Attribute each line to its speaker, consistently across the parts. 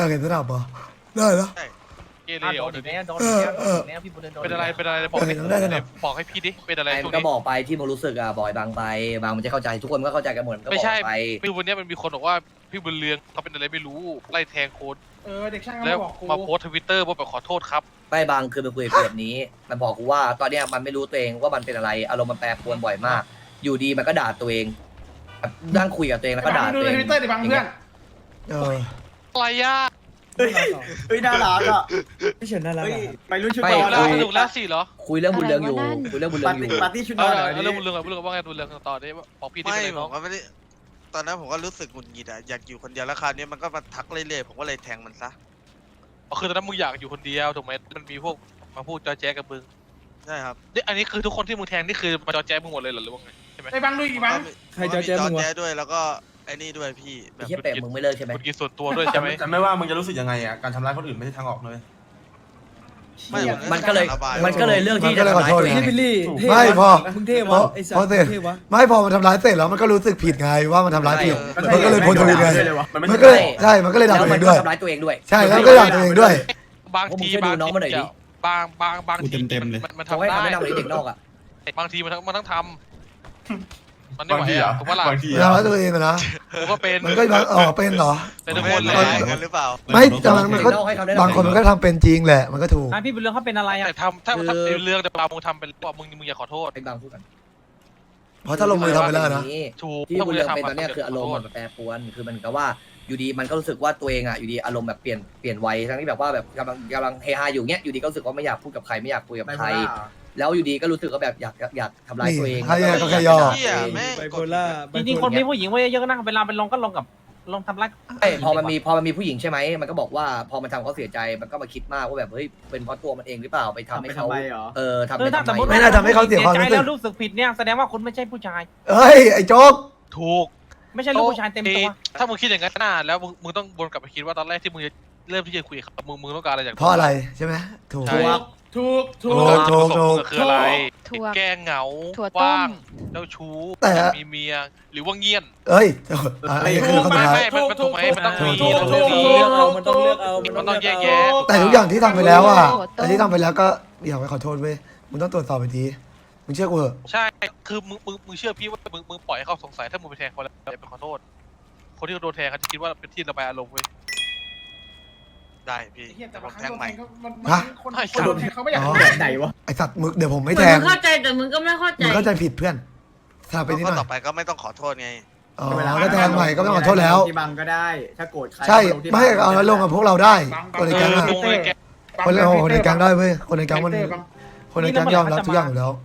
Speaker 1: ากเห็นสนับเหรอได้แล้ว
Speaker 2: เกเร
Speaker 3: โด
Speaker 2: โอ้
Speaker 3: น
Speaker 2: เดี๋
Speaker 3: อี
Speaker 2: ยว
Speaker 3: ก
Speaker 2: นี้
Speaker 3: แล้วโดนอีกแล้วพี่บุญเรืองโดน
Speaker 2: เป็นอะไรบอกให้พี่ดิเป็นอะไร
Speaker 4: ไอ้
Speaker 2: ช่วง
Speaker 4: ก็
Speaker 2: นี้
Speaker 4: บอกไปที่มึงรู้สึกอะบ่อยบางไปบางมันจะเข้าใจทุกคนก็เข้าใจกันหมดก็
Speaker 2: ไม่
Speaker 4: บอก
Speaker 2: ใช่
Speaker 4: ไป
Speaker 2: พี่วันนี้มันมีคนบอกว่าพี่บุญเรืองเขาเป็นอะไรไม่รู้ไล่แทงโค้ด
Speaker 5: เด็กช่าง
Speaker 2: แล้
Speaker 5: ก็
Speaker 2: ว
Speaker 5: บอกกู
Speaker 2: มาโพสทวิตเตอร์ว่าแบบขอโทษครับ
Speaker 4: ไม่บางคือมันคุยกับกูแบบนี้มันบอกกูว่าตอนเนี้ยมันไม่รู้ตัวเองว่ามันเป็นอะไรอารมณ์มันแปรปรวนบ่อยมาก อยู่ดีมันก็ด่าตัวเองนั่งคุยกับตัวเองแล้วก็ด่า
Speaker 5: ดู
Speaker 4: ตัว
Speaker 5: ใน
Speaker 4: เอง
Speaker 5: ทวิตเตอร์ดิบางเพื่อน
Speaker 2: อะไรย่า
Speaker 6: เฮ้ยน่ารักอ่ะ
Speaker 7: พี่เฉินน่ารัก
Speaker 6: เฮ้ย
Speaker 7: อะ
Speaker 6: ไปรุ่นชุด
Speaker 4: ไม่
Speaker 6: นอน
Speaker 2: แล้ว
Speaker 6: เลย
Speaker 2: สนุกแล้วสิเหรอ
Speaker 4: คุยเรื่องบุญเรืองอยู่คุยเรื่องบุญเรือ
Speaker 6: ปาง ร์
Speaker 4: อยู่
Speaker 6: ตี้ปาร์ตี้ชุดน
Speaker 2: เอ
Speaker 6: อน
Speaker 2: อ
Speaker 6: เหรอ
Speaker 2: เรื่องบุญเรืองว่าไงบุญเรืองต่อได้บอกพี่ดิ
Speaker 8: ไม่
Speaker 2: เป็นอะไร
Speaker 8: ผ
Speaker 2: น้อง
Speaker 8: มก็ไม่ได้ตอนนั้นผมก็รู้สึกหงุดหงิดอะอยากอยู่คนเดียวแล้วคราวนี้มันก็มาทักเรื่อยๆผมก็เลยแทงมันซะ
Speaker 2: คือตอนนั้นมึงอยากอยู่คนเดียวถูกไหมมันมีพวกมาพูดจอแจ๊กับมึง
Speaker 8: ใช่ครับ
Speaker 2: นี่อันนี้คือทุกคนที่มึงแทงนี่คือมาจอแจ๊มึงหมดเลยเหรอหรือว่าไงใช่ไหม
Speaker 5: ไอ้บางดูอีกบาง
Speaker 7: ใครจะแจ้งมึง
Speaker 8: มี
Speaker 7: วะ
Speaker 8: แจ๊ด้วยแล้วก็ไอ้นี่ด้วยพี่แบ
Speaker 4: ไอ้
Speaker 8: บ
Speaker 4: เหี้ยเป็ดมึงไม่เลิกใช่ไหม
Speaker 2: คุณกินส่วนตัวด้วยใช่ไหม
Speaker 9: แต่ไม่ว่ามึงจะรู้สึกยังไงอ่ะการทำร้ายคนอื่นไม่ใช่ทางออกเลย
Speaker 8: ไม่
Speaker 4: มันก็เลยเลือกที่จะทำร้ายตัวเอง
Speaker 7: พี่บิลลี่เท่
Speaker 1: ไม่พอ
Speaker 7: มึงเท่วะไอ้สัต
Speaker 1: พอ
Speaker 7: ว์
Speaker 1: เสร็จ
Speaker 7: เท่วะ
Speaker 1: ไม่พอมันทำร้ายเสร็จแล้วมันก็รู้สึกผิดไงว่ามันทำร้ายผิดมันก็เลยโพสต์ทวิตไง
Speaker 9: มันไม่
Speaker 1: มัน
Speaker 9: ใช่
Speaker 1: ก็เลยใช่มันก็เลยด่า
Speaker 4: แล้ว
Speaker 1: ตัวเอ
Speaker 4: มัน
Speaker 1: ง
Speaker 4: ก็
Speaker 1: ด้วย
Speaker 4: ทำร้ายตัวเองด้วย
Speaker 1: ใช่แล้วก็ด่าตัวเองด้วย
Speaker 2: บางทีบางทีบางทีมัน
Speaker 4: เขา
Speaker 2: ทำ
Speaker 4: ให้
Speaker 2: ได้
Speaker 4: คำแนะนำเลยเด็กนอกอ่ะ
Speaker 2: บางทีมันต้องทำมันไม่
Speaker 9: บาง
Speaker 2: ไหว
Speaker 9: ทีอ่ะ
Speaker 2: ถูกปะล่ะ
Speaker 9: บางที
Speaker 1: มันทำร้ายตัวเองอะนะ
Speaker 2: กูก็เป็น
Speaker 1: มันก็เป็นเหรอ
Speaker 2: เป็นทุก
Speaker 8: ไม่
Speaker 2: คนเล
Speaker 8: ได้
Speaker 2: ย
Speaker 8: กันหรือเปล่า
Speaker 1: ไม่แต่มันก็
Speaker 4: เด็กนอกให้คำแนะนำ
Speaker 1: บางคนมันก็ทำเป็นจริงแหละมันก็ถูก
Speaker 3: พี่บุญเรืองเขาเป็นอะไรอ่ะ
Speaker 2: แต่ถ้าเป็นเรื่องแต่บางมึงทำเป็นว่ามึงอย่าขอโทษ
Speaker 4: ไอ้บางพูดกัน
Speaker 1: เพราะถ้าลงมือทำไปแล้วนะ
Speaker 2: ถูก
Speaker 4: ที่บุญเรืองเป็นตอนเนี้ยคืออารมณ์มันแปรปรวนคือมันก็ว่าอยู่ดีมันก็รู้สึกว่าตัวเองอ่ะอยู่ดีอารมณ์แบบเปลี่ยนวัยทั้งที่แบบว่าแบบกำลังเฮฮาอยู่เนี้ยอยู่ดีก็รู้สึกว่าไม่อยากพูดกับใครไม่อยากคุยกับใครแล้วอยู่ดีก็รู้สึกว่าแบบอยากทำร้ายตัวเอง
Speaker 1: ให้ก็แค่ย่อ
Speaker 8: เหี้ยแม่ง
Speaker 7: ไบโพล่า
Speaker 3: จริงๆคนมีผู้หญิงไว้เยอะๆนะเวลาเป็นลงก็ลงกับลงทำร้าย
Speaker 4: พอมันมีผู้หญิงใช่ไหมมันก็บอกว่าพอมันทำเขาเสียใจมันก็มาคิดมากว่าแบบเฮ้ยเป็นเพราะตัวมันเองหรือเปล่าไปทำให้เขา
Speaker 6: ทำไมเหรอ
Speaker 4: ทำไป
Speaker 3: ถ้า
Speaker 4: ทำ
Speaker 3: สมมติ
Speaker 4: ไม
Speaker 1: ไม่น่าทำให้เขาเสียความรู้สึก
Speaker 3: ใจแล้วรู้สึกผิดเนี่ยแสดงว่าคุณไม่ใช่ผู้ชาย
Speaker 1: เอ้ยไอ้โจ๊ก
Speaker 2: ถูก
Speaker 3: ไม่ใช่ลูกผู้ชายเต็มตัว
Speaker 2: ถ้ามึงคิดอย่างนั้นน่ะแล้วมึงต้องวนกลับไปคิดว่าตอนแรกที่มึงเริ่มที่จะคุยกับมึงต้องการอะไรจาก
Speaker 1: เพราะอะไรใช่ไหมถูก
Speaker 2: ใช่
Speaker 5: ถูก
Speaker 2: คืออะไร
Speaker 10: ถั่ว
Speaker 2: แก้เหงา
Speaker 10: ถั่วต้ม
Speaker 2: ว่างเจ้าชู้
Speaker 1: แต่
Speaker 2: มีเมียหรือว่าเงียน
Speaker 1: เอ้ยอันนี้คือคำ
Speaker 2: ไม่
Speaker 1: ถาม
Speaker 2: ไม่มันถูกไหมมันต้องมี
Speaker 1: ถูก
Speaker 2: มันต้องมี
Speaker 7: มันต้องเลือกเอา
Speaker 2: มันต้องแยกแยะ
Speaker 1: แต่ทุกอย่างที่ทำไปแล้วอ่ะแต่ที่ทำไปแล้วก็อยากไปขอโทษเว้ยมึงต้องตรวจสอบไปทีมึงเชื่อกูเหอะ
Speaker 2: ใช่คือมึงเชื่อพี่ว่ามึงปล่อยให้เขาสงสัยถ้ามึงไปแทงเขาแล้วอย่าไปขอโทษคนที่โดนแทงเขาจะคิดว่าเป็นที่ระบายอารมณ์เว้ย
Speaker 8: ได้พี่
Speaker 5: แต่
Speaker 8: ผ
Speaker 5: บาง
Speaker 8: ม
Speaker 5: ค
Speaker 8: แท
Speaker 5: รั้
Speaker 8: ง
Speaker 5: ง
Speaker 8: ใหม่
Speaker 5: คนโดนเขาไม่อยาก
Speaker 6: แบบไหนวะ
Speaker 1: ไอสัตว์มึงเดี๋ยวผมไม่
Speaker 10: เหมื
Speaker 1: แท
Speaker 10: อน
Speaker 1: ง
Speaker 10: มึงเข้าใจแต่มึงก็ไม่เข้าใจ
Speaker 1: มึงเข้าใจผิดเพื่อนทราบไปนิดห
Speaker 8: ก็
Speaker 1: น่อ
Speaker 8: ต่อย ไปก็ไม่ต้องขอโทษไง
Speaker 1: อ๋อแล้วแทงใหม่ก็ไม่ต้องขอโทษแล้ว
Speaker 6: ที่บังก็ได้ ถ้าโกรธใคร
Speaker 1: ใช่ไม่เอาแล้วลงกับพวกเราได้คนในแก๊งอะ
Speaker 2: ลงเลยแก
Speaker 1: คนในแก๊งได้เว้ยคนในแก๊งมันคนในแก๊งยอมรับทุกอย่างอยู่แล้ว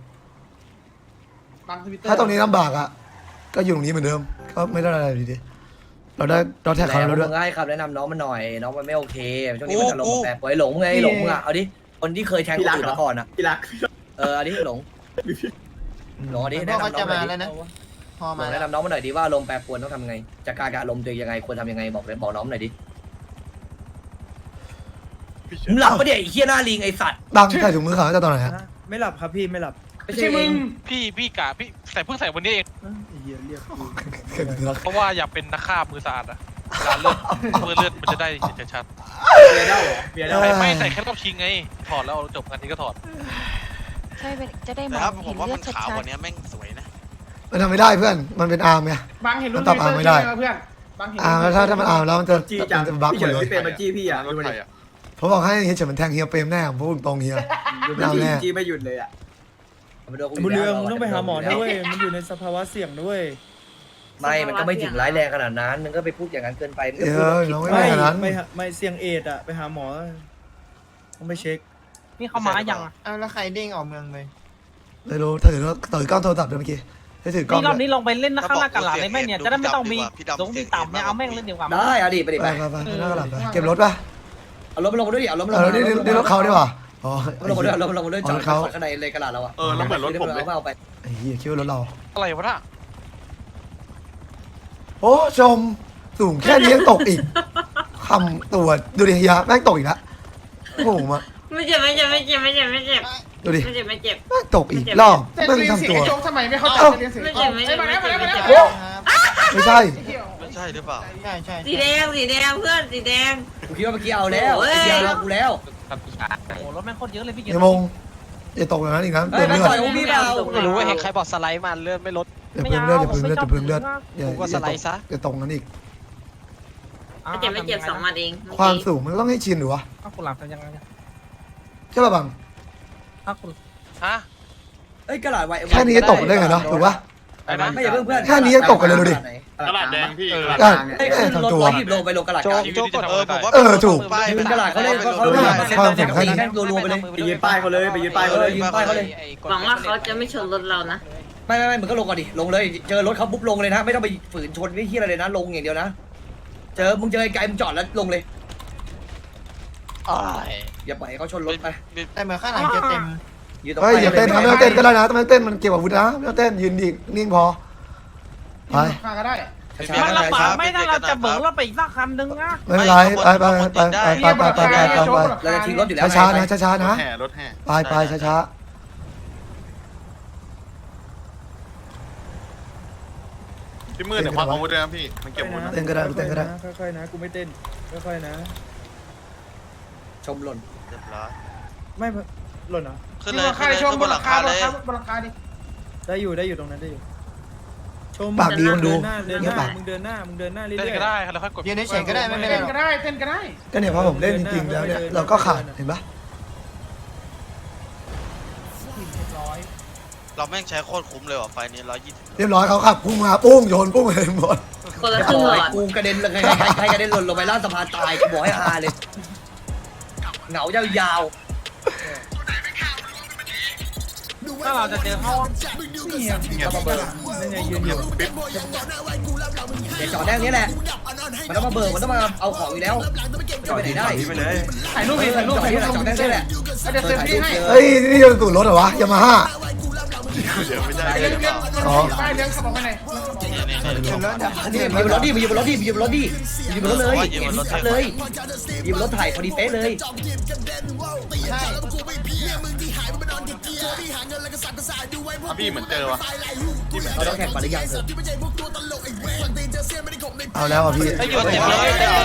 Speaker 1: ถ้าตรงนี้ลำบากอ่ะก็อยู่ตรงนี้เหมือนเดิมก็ไม่ได้อะไรดีเราแท็กเขา
Speaker 4: แล้ว
Speaker 1: แล้วด้วย
Speaker 4: มึงให้คำแนะนำน้องมันหน่อยน้องมันไม่โอเคช่วงนี้มันอารมณ์แปรปรวนหลงไงหลงมึงอ่ะเอาดิคนที่เคยแทงคนอื่นมาก่อนอ่ะ
Speaker 6: ที่รัก
Speaker 4: อันนี้หลงอันนี้แนะนำน้องหน่อยดิหลงแนะนำน้องมาหน่อยดิว่าอารมณ์แปรปรวนต้องทำไงจัดการกับอารมณ์ตัวเองยังไงควรทำยังไงบอกน้องหน่อยดิมึงหลับปะเนี่ยไอ้เหี้ยหน้าลิงไอ้สัตว์
Speaker 1: บังใส่ถุงมือขาวตั้งแต่ตอนไหนฮะ
Speaker 7: ไม่หลับครับพี่ไม่หลับ
Speaker 5: ไม่ใช่มึง
Speaker 2: พี่กะพี่เพิ่งใส่วันนี้เอง
Speaker 7: ไอ้เหี้ยเรียกกู
Speaker 2: เพราะว่าอยากเป็นนักฆ่ามือสะอาดอะเวลาเลือดมันจะได้ชัด
Speaker 6: เบียร์เด้าเหรอเบียร์เด้า
Speaker 2: ๆไม่ใส่แค่รอบชิงไงถอดแล้วจบงานนี้ก็ถอด
Speaker 10: ใช่จะได้ม
Speaker 8: แต่
Speaker 10: อ
Speaker 8: ถ้าง ผ
Speaker 10: เห็
Speaker 8: ม
Speaker 10: น
Speaker 8: ว่า
Speaker 10: เลือ
Speaker 8: มั
Speaker 10: ด
Speaker 8: นขาว
Speaker 10: ชั
Speaker 8: ก
Speaker 10: ด
Speaker 8: ว่านี้แม่งสวยนะ
Speaker 1: มันทำไม่ได้เพื่อนมันเป็นอาร์มไง
Speaker 5: บางเห็นรุ่นเพื่อนบางเห็น
Speaker 1: อาร์มแล้วถ้ามันอาร์มแล้วมันจะ
Speaker 6: จี้จัง
Speaker 1: จะบัก
Speaker 6: พี่
Speaker 1: หม
Speaker 6: เฉิ
Speaker 1: ด
Speaker 6: น
Speaker 1: เลย
Speaker 6: พี่เป็นมาจี้พี่อ่ะดูดิ
Speaker 1: ผมบอกให้เฮียเฉินมันแทงเฮียเปรมแน่ผมพูดตรงเฮีย
Speaker 6: ดูดิจี้ไม่หยุดเลยอ่ะ
Speaker 7: บุญเรืองมึงต้องไปหาหมอด้วยมันอยู่ในสภาวะเสี่ยงด้วย
Speaker 4: ไม่มันก็ไม่ถึงร้ายแรงขนาดนั้นมึงก็ไปพูดอย่างนั้นเกินไปมึงก็
Speaker 1: เอ
Speaker 4: พูด
Speaker 1: อน้องไม่ได้ขนาดนั้น
Speaker 7: ไม่เสี่ยงเอดอ่ะไปหาหมอต้องไปเช็ค
Speaker 3: นี่เขามาอย่าง
Speaker 6: เอาแล้วใครเด้งออกเมืองเลย
Speaker 1: ไม่รู้ถือกล้องโทรศัพท์ด้วยเมื่อกี้ให้ถือกล้อง
Speaker 3: นี่รอบนี้ลงไปเล่นข้างหน้ากันหลังเลยแม่เนี่ยจะได้ไม่ต้องมีสูงที่ต่ำเนี่ยเอาแม่งเล่นดีกว่า
Speaker 4: ได้เอาดิไปดิ
Speaker 1: ไป
Speaker 4: ไป
Speaker 1: ไปหน้ากระดาษไปเก็บรถป่ะ
Speaker 4: เอารถมาลงมาด้วยดิเอารถมาล
Speaker 1: เอง อ
Speaker 4: มา
Speaker 1: นี่รถเขาดีกว่าอ๋อ
Speaker 4: เอารถมาด้วยเอารถมาลงมาด้วยจอดข้างในเลยกระดาษเราอ่ะ
Speaker 9: แล้วเหมือนรถผมเลย
Speaker 4: เอาไป
Speaker 1: ไอ้เหี้ยคิดว่ารถเรา
Speaker 2: อะไรวะน่ะ
Speaker 1: โอ้ชมสูงแค่นี้ยังตกอีกคำตัวดูดิเฮียแม่งตกอีกแล้วโอ้โหมา
Speaker 10: ไม่เจ็บไม่เจ็บไม่เจ็บไม่เจ็บไม่เจ็บ
Speaker 1: ดูดิ
Speaker 10: ไม่เจ็บไม่เจ็บ
Speaker 1: แม่งตกอีกรอบ
Speaker 5: แต่
Speaker 1: แม่ง
Speaker 5: เรียน
Speaker 1: ทำ
Speaker 5: เสียง
Speaker 1: ตัว
Speaker 5: ไอ้โจ๊กทำไมไม่เข้าใจเรียนเสียง
Speaker 10: ไม่เจ็บไม่เจ็บไม่เจ็บไม่เจ็บ
Speaker 1: ไม่ใช่
Speaker 5: เ
Speaker 8: ใช่หรือเปล่า
Speaker 6: ใช่ใช่
Speaker 10: สีแดงเพื่อนสีแดง
Speaker 4: กูคิดว่าเมื่อกี้เอาแล้ว
Speaker 10: โอ้ย
Speaker 4: ไอ้เดียวเอากูแล้ว
Speaker 3: โอ้รถแม่งโคตรเยอะเลยพี่เกีย
Speaker 1: เฮียมงอย่าตกอย่างนั้นอีกนะ
Speaker 4: เฮ้
Speaker 1: เติ
Speaker 4: ย
Speaker 1: ม
Speaker 4: ไม่
Speaker 1: เลือด
Speaker 4: ต่อยกูพี่เปล่า
Speaker 3: ไม่รู้ว่าเห็นใครบอกสไลด์มาเลื่อนไม่ลด
Speaker 1: อย่าเพิ่มเลือดอย่าเพิ่มเลือดอย่าเพิ่มเลือดอย่า
Speaker 3: ผมว่าสไลด์ซะ
Speaker 1: อย่าตกนั้นอีก
Speaker 10: ไม่เจ็บ2 หมัดเอง
Speaker 1: ความสูงมันต้องให้ชินหรือวะ
Speaker 3: ถ้าคุณหลับจะยังไง
Speaker 1: ใช่ป่ะบัง
Speaker 3: ถ้าคุณ
Speaker 2: ฮะ
Speaker 4: เอ้ยกระหล่ำไว้
Speaker 1: แค่นี้จะตกได้ไงเนาะถูกปะ
Speaker 4: ไม่อย่าเพิ่งเพื่อน
Speaker 1: แค่นี้ยังตกกันเลยดูดิ
Speaker 6: ตลาดแดงพี่
Speaker 1: ก็
Speaker 4: ไอ้ขึ้นรถร้อยหยิบโลไปลงกระหล่ำกลาง
Speaker 2: ชีวิตที่จะทำอะไร
Speaker 8: ผมว่า
Speaker 1: ถูก
Speaker 8: ป้าย
Speaker 4: ยืนกระหล่ำเขาเล่นเขาเล่นตีแค่รัวๆไปเลย
Speaker 6: ไปยืนป้ายเขาเลยไปยืนป้ายเขาเลย
Speaker 4: ยืนป้ายเขาเลย
Speaker 10: หวังว่าเขาจะไม่ชนรถเรานะ
Speaker 4: ไม่มึงก็ลงก่อนดิลงเลยเจอรถเขาปุ๊บลงเลยนะไม่ต้องไปฝืนชนไม่เที่ยอะไรเลยนะลงอย่างเดียวนะมึงเจอไกลมึงจอดแล้วลงเลยอย่าปล่อยเขาชนรถไป
Speaker 6: แต่เหมือนข้างหลังจะเต็ม
Speaker 4: ยืนตรง
Speaker 1: เฮ้ยอย่าเต้นนะไม่ต้องเต้นก็ได้นะไม่ต้องเต้นมันเกี่ยวกับอาวุธนะไม่ต้องเต้นยืนดีนิ่งพอไป
Speaker 5: ข้าก็ได้
Speaker 3: มันลำบากไม่ถ้าเราจะเบิกรถไปอีกสักคันนึงนะ
Speaker 1: ไม่เป็นไรไป
Speaker 4: เราจะทิ้งรถอยู่แล้ว
Speaker 1: ช้าๆนะช้าๆนะ
Speaker 9: รถแห่
Speaker 1: ไปช้า
Speaker 9: พี่มืดเดี๋ยวพักอาวุธด้วยนะพี่ มันเก็บอาวุธนะ
Speaker 1: เต้นก็ได้เต้นก็ได้
Speaker 7: ค่อยๆนะกูไม่เต้นค่อยๆนะ
Speaker 4: ชมหล่น
Speaker 8: เรียบร้อย
Speaker 7: ไม่หล่นเหรอ
Speaker 8: ขึ้น
Speaker 5: นี่
Speaker 8: เลย
Speaker 5: ราคา
Speaker 8: ขึ้นเลย
Speaker 5: ชม
Speaker 8: ขึ้น
Speaker 5: บบ น
Speaker 8: น
Speaker 5: ห
Speaker 8: ห
Speaker 5: ลั
Speaker 8: ลั
Speaker 5: ง
Speaker 8: ง
Speaker 5: คา
Speaker 8: คาเลย
Speaker 5: บนหลังคาดิ
Speaker 7: ได้อยู่ตรงนั้นได้อยู่ชม
Speaker 1: ปากดีมันดู
Speaker 7: เดินห
Speaker 1: เงียบ
Speaker 7: น้า
Speaker 1: ปาก
Speaker 7: มึงเดินหน้าเรื่
Speaker 2: เล่น
Speaker 7: อย
Speaker 2: ก็ได้แล้วค่อยกด
Speaker 6: ยืนเฉยๆก็ได้ไม่เป็นไร
Speaker 5: เต้นก็ได้เต้นก็ได้
Speaker 1: ก็เนี่ยพอผมเล่นจริงๆแล้วเนี่ยเราก็ขาดเห็นปะ
Speaker 8: เราแม่งใช้โคตรคุ้มเลยว่ะไฟนี้120
Speaker 1: เรียบร้อยเขาขับพุ่งมาปุ้งโยนปุ้งเลยหมด
Speaker 10: คนละครึ่งหลอด
Speaker 4: กูกระเด็นเลยใครกระเด็นหล่นลงไปล่างสะพานตายกูบอกให้ฮาเลยเหงายาว
Speaker 3: ถ้าเราจะเจอเขา
Speaker 7: นั่นไงยืนอยู่
Speaker 4: เดี๋ยวจอดแดงนี้แหละมันต้องมาเบิกมันต้องมาเอาของอยู่แล้วจะไปไหนได้
Speaker 5: ถ่ายรูปดิถ่ายรูป
Speaker 4: จอด
Speaker 5: ถ่าย
Speaker 4: ที่
Speaker 5: รูป
Speaker 4: จอดแดงนี่แหละ
Speaker 5: เดี๋ยวเซฟตี้ให้
Speaker 1: เฮ้ยนี่จะสูตรรถเหรอวะยามาฮ่า
Speaker 5: เลี้ยงป้ายเลี้ยงขับออกไปไหน
Speaker 4: ยืมรถดิยืมรถดิยืมรถดิยืมรถเลยยืมรถเลยยืมรถถ่ายพอดีเป๊ะเลย
Speaker 9: พี่เหมือนเจอวะ
Speaker 4: เราต้องแข่งกันหรือยังเถอะ
Speaker 1: เอาแล้วอ่ะพี่
Speaker 2: ไอ้ยูเจ็บเลยเจ็บเลย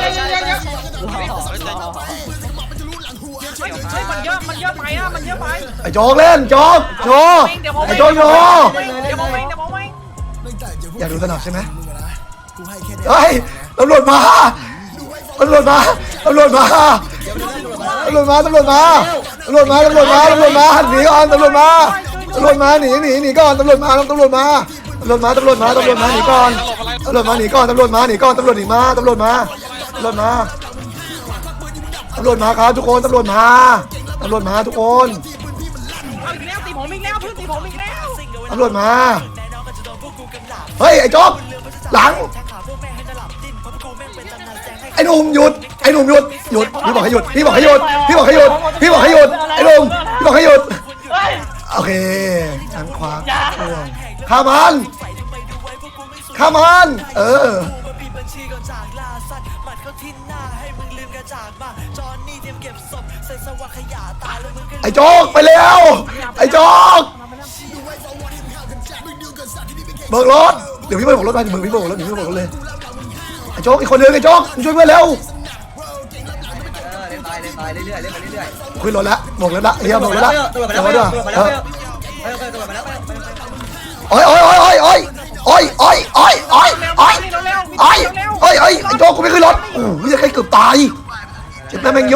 Speaker 3: เฮ้ยมันเยอะไปอ่ะมันเยอะไป
Speaker 1: ไอ้โจ๊กเล่นโจ๊กโชว์ไอ้โจ๊กโชว์
Speaker 3: เดี๋ยวผมเอง
Speaker 1: อยากดูสนับใช่ไหมเฮ้ยตำรวจมาตำรวจมาตำรวจมาตำรวจมาตำรวจมาตำรวจมาตำรวจมาตำรวจมาหนีก่อนตำรวจมาตำรวจมาหนีก่อนตำรวจมาตำรวจมาตำรวจมาตำรวจมาตำรวจมาหนีก่อนตำรวจมาหนีก่อนตำรวจมาหนีก่อนตำรวจหนีมาตำรวจมาตำรวจมาตำรวจมาครับทุกคนตำรวจมาตำรวจมาทุกคน
Speaker 3: เอาอีกแล้วตีผมอีกแล้วเพื่อนตีผมอีกแล้ว
Speaker 1: ตำรวจมาเฮ้ยไอ้โจ๊กหลังไอ้หนุ่มหยุดไอ้หนุ่มหยุดพี่บอกให้หยุดพี่บอกให้หยุดพี่บอกให้หยุดพี่บอกให้หยุดไอ้หนุ่มพี่บอกให้หยุดโอเคทางขวาข้ามันไอ้โจ๊กไปแล้วไอ้โจ๊กเบิกรถเดี๋ยวพี่เบิกรถมาเดี๋ยวพี่เบิกรถเดี๋ยวพี่เบิกรถเลยไอ้โจ๊กอีกคนนึงไอ้โจ๊กช่วยเพื่อนเร็ว
Speaker 4: เล่นไปเรื่อยๆเล่นไปเรื่อย
Speaker 1: ขึ้นรถแล้วบอกแล้วละเรียบบอกแล้วละ
Speaker 4: ตัวมา
Speaker 1: เดี๋
Speaker 4: แล้
Speaker 1: ยว ว
Speaker 4: ตัว
Speaker 1: เดี๋ยว
Speaker 4: มาแล้วตัวมาแล้ว
Speaker 1: โอ้ยไอ้โจ๊กกูไม่ขึ้นรถโอ้ยจะใครเกือบตายเจ็บแม่แมงโย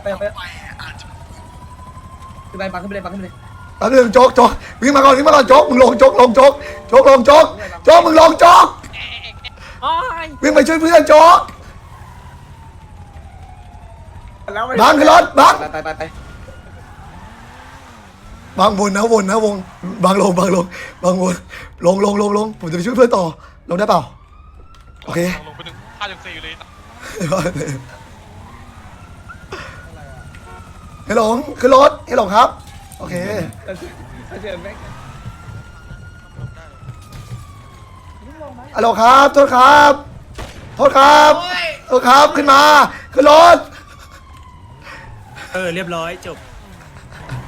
Speaker 4: ขึ้นไปปังขึ้นไปเลยปังขึ้นไปเลย
Speaker 1: แป๊บนึงโจ๊กวิ่งมาก่อนโจ๊กมึงลงโจ๊กมึงลงโจ๊กวิ่งไปช่วยเพื่อนโจ๊กบังขึ้นรถบัง
Speaker 4: ไป
Speaker 1: บางวนนะวงบางลงลงผมจะไปช่วยเพื่อนต่อลงได้เปล่าโอเค
Speaker 2: ลงไปหนึ่ง5.4อยู่เลย
Speaker 1: ให้หลงขึ้นรถให้หลงครับโอเคฮัลโหลครับโทษครับขึ้นมาขึ้นรถ
Speaker 7: เรียบร้อยจบ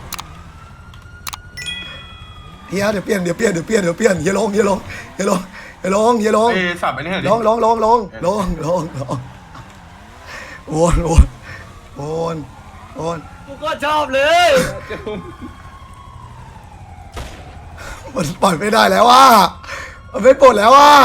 Speaker 1: เฮียเดี๋ยวเปลี่ยนเฮียลงไอ้ลงอย่าลง
Speaker 9: เอ้สับไปนี่เหรอ
Speaker 1: ลงลงลงลงลงลงลงโอนโอนโอนโอน
Speaker 4: กูก็ชอบเลย
Speaker 1: มันปล่อยไม่ได้แล้วว่ามันไม่ปลดแล้วว่า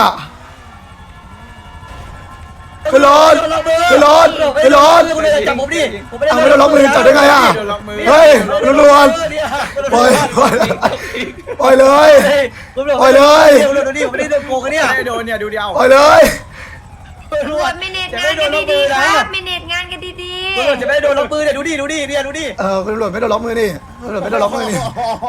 Speaker 1: ขึ้นรถขึ้นรถขึ้นรถ
Speaker 4: จับผมดิผมไม่ได้
Speaker 1: เอาไม่โดนล็อกมือจับได้ไงอ่ะเฮ้ยตำรวจปล่อยปล่อยปล่อยเลยปล่อยเลย
Speaker 4: ดูดิผมไม่ได้โดนโกงกันเนี่ย
Speaker 6: โดนเนี่ยดูเดียว
Speaker 1: ปล่อยเลย
Speaker 4: ตำรวจ
Speaker 10: ไม่เน็ตงานกันดีๆครับไม่เน็ตงานกันดี
Speaker 4: ตำรวจจะไม่ได้โดนล็อกมือเนี่ยดูดิเนี่ยดูดิ
Speaker 1: ตำรวจไม่โดนล็อกมือนี่ตำรวจไม่โดนล็อกมือนี่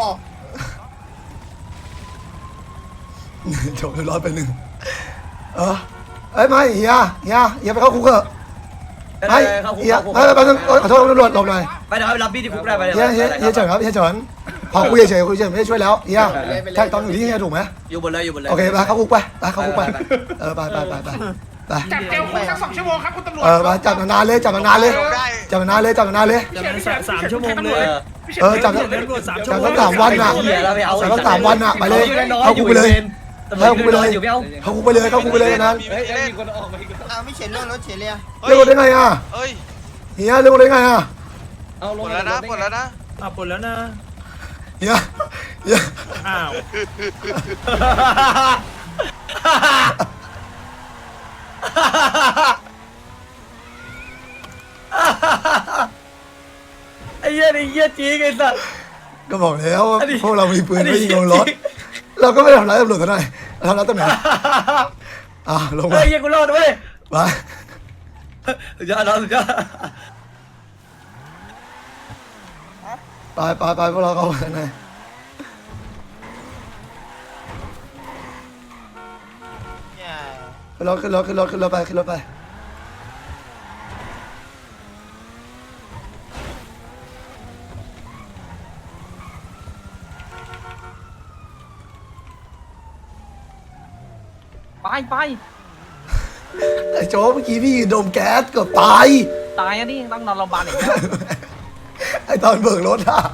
Speaker 1: จบเรียบร้อยไปหนึ่งเอ้ยไม่เฮียไปเข้าคุกเถอะไม่เฮียไม่ไปขอโทษตำรวจหลบหน่อย
Speaker 4: ไปเดี๋ยวไปรับพี่ที่คุกได้ไป
Speaker 1: เฮียเฉินครับเฮียเฉินพอคุยเฉยคุยเฉยไม่ได้ช่วยแล้วเฮียแท็กตอนอยู่ที่เฮียถูกไหม
Speaker 4: อยู่บนเลย
Speaker 1: โอเคไปเข้าคุกไปเข้าคุกไปไป
Speaker 5: จับเจลคุกสัก2 ชั่วโมงครับคุณตำรวจ
Speaker 1: ไปจับนานเลยจับนานเลยจับนานเลยจับนานเลย
Speaker 7: 3 ชั่วโมงเลย
Speaker 1: จับจับตั้ง3 วันอ่ะจับตั้ง3 วันอ่ะไปเลยเข้าคุกไปเลยเข้าคุกไปเลยเข้าคุกไปเลยเข้าคุกไปเลยนั้น
Speaker 6: ไม่เฉยเรื่องรถเฉยเลย
Speaker 1: เรื่องได้ไงอ่ะ
Speaker 8: เฮ้ย
Speaker 1: เฮียเรื่องได้ไงอ่ะ
Speaker 8: หมดแล้วนะหมดแล้วนะ
Speaker 7: ปลดแล้วนะ
Speaker 1: เฮีย
Speaker 7: อ้าว
Speaker 4: ไอ้เหี้ยจริงไอ้สัส
Speaker 1: ก็บอกแล้วพวกเรามีปืนไม่ยิงลงรถเราก็ไม่ทำร้ายตำรวจเท่าไหร่ทำร้ายตำรวจลงไป
Speaker 4: ไอ้เหี้ยกูรอดเว้ย
Speaker 1: ไป
Speaker 4: สุดยอด
Speaker 1: ไปพวกเราเข้าไปข้างในขึ้นรถไป
Speaker 3: ไป
Speaker 1: ไอ้โจ้เมื่อกี้พี่โดนแก๊สเกือบตาย
Speaker 3: ตายอันนี้ต้องนอนโรงพยาบาลอีกแล้ว
Speaker 1: ไอ้ตอนเบิกรถอะ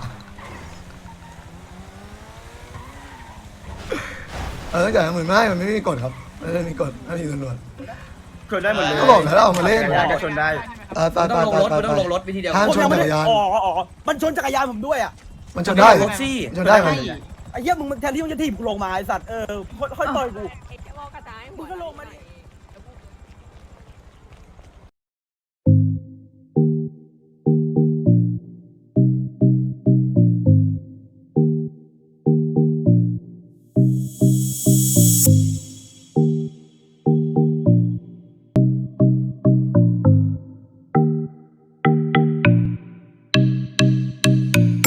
Speaker 1: จ่าย10,000ไม่มันไม่มีกฎครับไม่ได้มีกฎไม่มีตำรวจ
Speaker 6: ชนได้หมดเลย
Speaker 1: ก็บอกแล้วเอามาเล่น
Speaker 6: ก็ชนได้
Speaker 4: ต้องลงรถวิธีเดียว
Speaker 1: ห้ามชนจักรยาน
Speaker 6: มันชนจักรยานผมด้วยอ่ะ
Speaker 1: มันชนได้
Speaker 4: รถซี่
Speaker 1: ชนได้มัน
Speaker 6: ไอ้เหี้ยมึงแทนที่มึงจะถีบกูลงมาไอ้สัตว์ค่อยต่อยกูมึงก็ลงมาดิ